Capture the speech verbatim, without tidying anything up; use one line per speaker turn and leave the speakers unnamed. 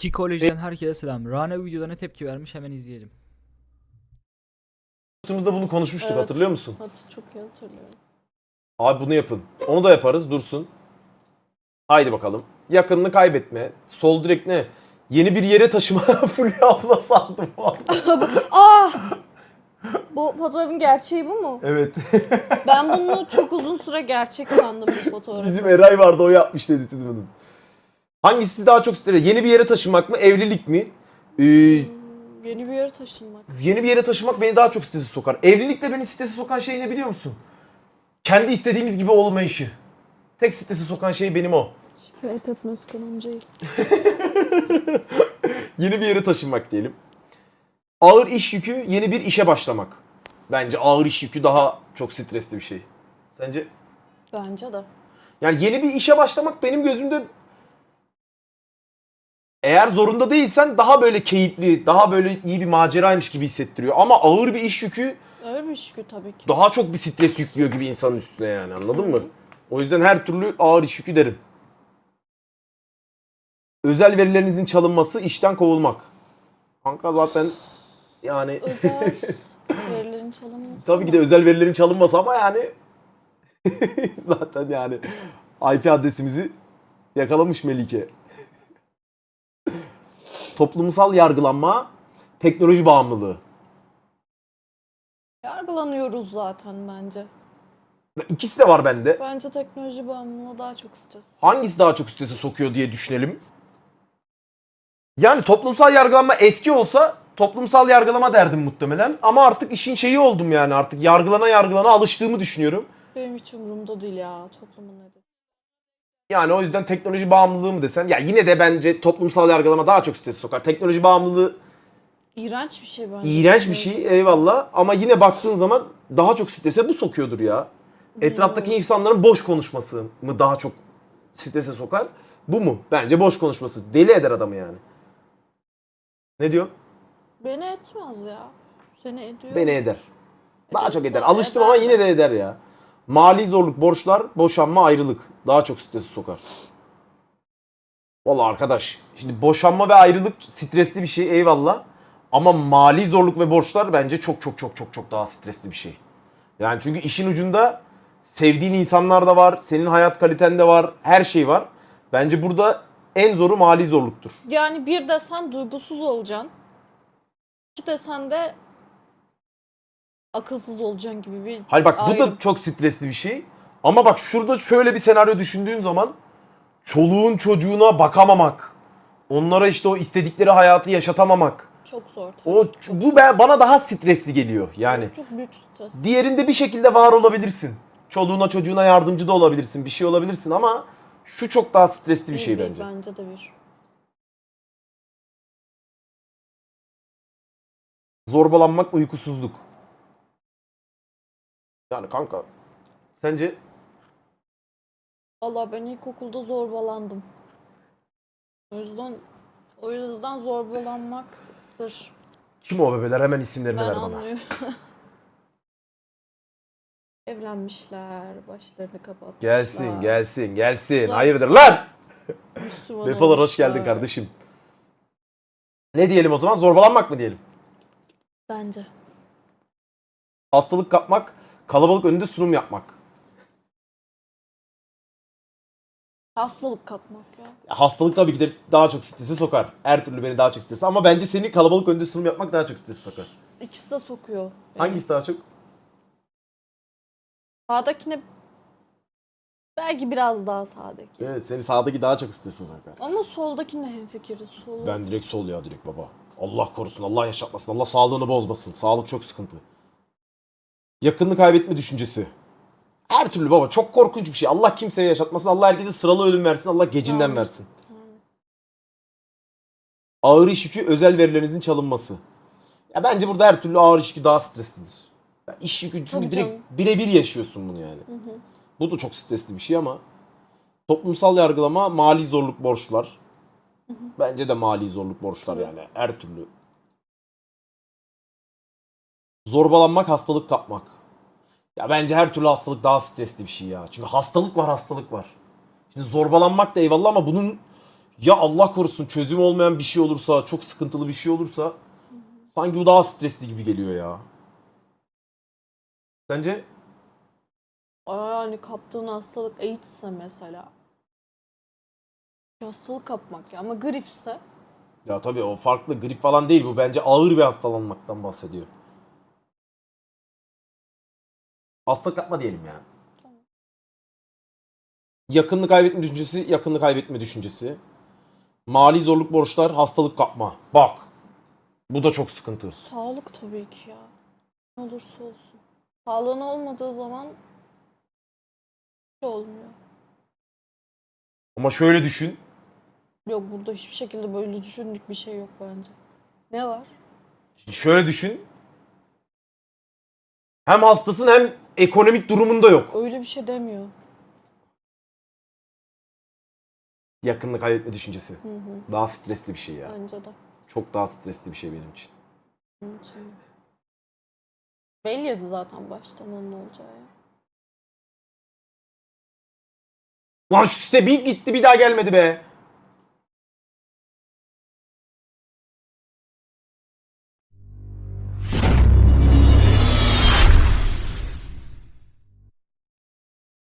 Kikoleji'den herkese selam. Rana videoda ne tepki vermiş hemen izleyelim.
Yaptığımızda bunu konuşmuştuk,
Evet.
hatırlıyor musun?
Hat çok iyi hatırlıyorum.
Abi bunu yapın. Onu da yaparız, dursun. Haydi bakalım. Yakınını kaybetme. Sol direkt ne? Yeni bir yere taşıma. Fulya abla sandım valla.
Ah! Bu fotoğrafın gerçeği bu mu?
Evet.
Ben bunu çok uzun süre gerçek sandım bu fotoğrafı.
Bizim Eray vardı, o yapmış dedi bunu. Hangisi daha çok ister? Yeni bir yere taşınmak mı? Evlilik mi? Ee,
Hmm, yeni bir yere taşınmak.
yeni bir yere taşımak beni daha çok strese sokar. Evlilikte beni strese sokan şey ne biliyor musun? Kendi istediğimiz gibi olmayışı. Tek strese sokan şey benim o.
Şikayet etme Özkan amcayı.
Yeni bir yere taşınmak diyelim. Ağır iş yükü, yeni bir işe başlamak. Bence ağır iş yükü daha çok stresli bir şey. Sence?
Bence de.
Yani yeni bir işe başlamak benim gözümde, eğer zorunda değilsen daha böyle keyifli, daha böyle iyi bir maceraymış gibi hissettiriyor. Ama ağır bir iş yükü
Öyle bir şükür tabii ki.
daha çok bir stres yüklüyor gibi insanın üstüne, yani anladın mı? O yüzden her türlü ağır iş yükü derim. Özel verilerinizin çalınması, işten kovulmak. Kanka zaten yani
Özel verilerin çalınması.
tabii ki de özel verilerin çalınması ama yani zaten yani I P adresimizi yakalamış Melike. Toplumsal yargılanma, teknoloji bağımlılığı.
Yargılanıyoruz zaten bence.
İkisi de var bende.
Bence teknoloji bağımlılığı daha çok stres.
Hangisi daha çok strese sokuyor diye düşünelim. Yani toplumsal yargılanma eski olsa toplumsal yargılama derdim muhtemelen. Ama artık işin şeyi oldum yani, artık yargılana yargılana alıştığımı düşünüyorum.
Benim hiç umurumda değil ya toplumun ne dediği.
Yani o yüzden teknoloji bağımlılığı mı desen? Ya yine de bence toplumsal yargılama daha çok strese sokar. Teknoloji bağımlılığı
İğrenç bir şey bence.
iğrenç bir şey, eyvallah. Ama yine baktığın zaman daha çok strese bu sokuyordur ya. Etraftaki
Bilmiyorum.
insanların boş konuşması mı daha çok strese sokar? Bu mu? Bence boş konuşması. Deli eder adamı yani. Ne diyor?
Beni etmez ya. Seni ediyor.
Beni eder. Daha çok eder.
Eder,
Alıştım
eder
ama
de.
yine de eder ya. Mali zorluk, borçlar, boşanma, ayrılık. Daha çok stresi sokar. Vallahi arkadaş, şimdi boşanma ve ayrılık stresli bir şey, eyvallah. Ama mali zorluk ve borçlar bence çok çok çok çok çok daha stresli bir şey. Yani çünkü işin ucunda sevdiğin insanlar da var, senin hayat kaliten de var, her şey var. Bence burada en zoru mali zorluktur.
Yani bir desen duygusuz olacaksın. İki desen de akılsız olacaksın gibi bir
Hayır bak, bu
ayrım.
da çok stresli bir şey. Ama bak şurada şöyle bir senaryo düşündüğün zaman çoluğun çocuğuna bakamamak, onlara işte o istedikleri hayatı yaşatamamak.
Çok zor. tabii.
O bu ben, bana daha stresli geliyor yani.
Çok büyük stres.
Diğerinde bir şekilde var olabilirsin. Çoluğuna çocuğuna yardımcı da olabilirsin, bir şey olabilirsin ama şu çok daha stresli bir şey
Bir, bir,
bence.
Bence de bir.
Zorbalanmak, uykusuzluk. Yani kanka, sence?
Vallahi ben ilkokulda zorbalandım. O yüzden o yüzden zorbalanmaktır.
Kim o bebeler? Hemen isimlerini
Ben
ver bana.
anlıyorum. Evlenmişler, başlarını kapatmışlar.
Gelsin, gelsin, gelsin.
Zaten-
Hayırdır lan?
Müslüman
Vefalar hoş geldin
olmuşlar.
kardeşim. Ne diyelim o zaman? Zorbalanmak mı diyelim?
Bence.
Hastalık kapmak, kalabalık önünde sunum yapmak.
Hastalık kapmak ya.
Ya hastalık tabii ki de daha çok strese sokar. Her türlü beni daha çok strese. Ama bence seni kalabalık önünde sunum yapmak daha çok strese sokar.
İkisi de sokuyor. beni.
Hangisi daha çok?
Sağdakine belki biraz daha sağdaki.
Evet, seni sağdaki daha çok strese sokar.
Ama soldakine hemfikiriz. Sol.
Ben direkt sol ya, direkt baba. Allah korusun, Allah yaşatmasın, Allah sağlığını bozmasın. Sağlık çok sıkıntı. Yakınını kaybetme düşüncesi. Her türlü baba, çok korkunç bir şey. Allah kimseye yaşatmasın, Allah herkese sıralı ölüm versin, Allah gecinden
Amin.
versin.
Amin.
Ağır iş yükü, özel verilerinizin çalınması. Ya bence burada her türlü ağır iş yükü daha streslidir. Ya iş yükü çünkü
Tabii
direkt
canım.
birebir yaşıyorsun bunu yani.
Hı hı.
Bu da çok stresli bir şey ama toplumsal yargılama, mali zorluk, borçlar. Bence de mali zorluk, borçlar
Tabii.
yani her türlü. Zorbalanmak, hastalık kapmak. Ya bence her türlü hastalık daha stresli bir şey ya. Çünkü hastalık var, hastalık var. Şimdi zorbalanmak da eyvallah ama bunun ya Allah korusun çözüm olmayan bir şey olursa, çok sıkıntılı bir şey olursa sanki bu daha stresli gibi geliyor ya. Sence?
Yani kaptığın hastalık AIDS'se mesela. Bir hastalık kapmak ya ama gripse
Ya tabii o farklı, grip falan değil bu, bence ağır bir hastalanmaktan bahsediyor. Hastalık yapma diyelim ya.
Tamam.
Yakınını kaybetme düşüncesi, yakınını kaybetme düşüncesi. Mali zorluk, borçlar, hastalık kapma. Bak. Bu da çok sıkıntı.
sağlık tabii ki ya. Ne olursa olsun. Sağlığın olmadığı zaman hiç olmuyor.
Ama şöyle düşün.
Yok burada hiçbir şekilde böyle düşündük bir şey yok bence. Ne var?
Şöyle düşün. Hem hastasın hem ekonomik durumun da yok.
Öyle bir şey demiyor.
Yakınını kaybetme düşüncesi.
Hı hı.
Daha stresli bir şey ya.
Bence de.
Çok daha stresli bir şey benim için.
Onun için de. Belliydi zaten baştan onun olacağı ya.
Lan şu site bir gitti bir daha gelmedi be.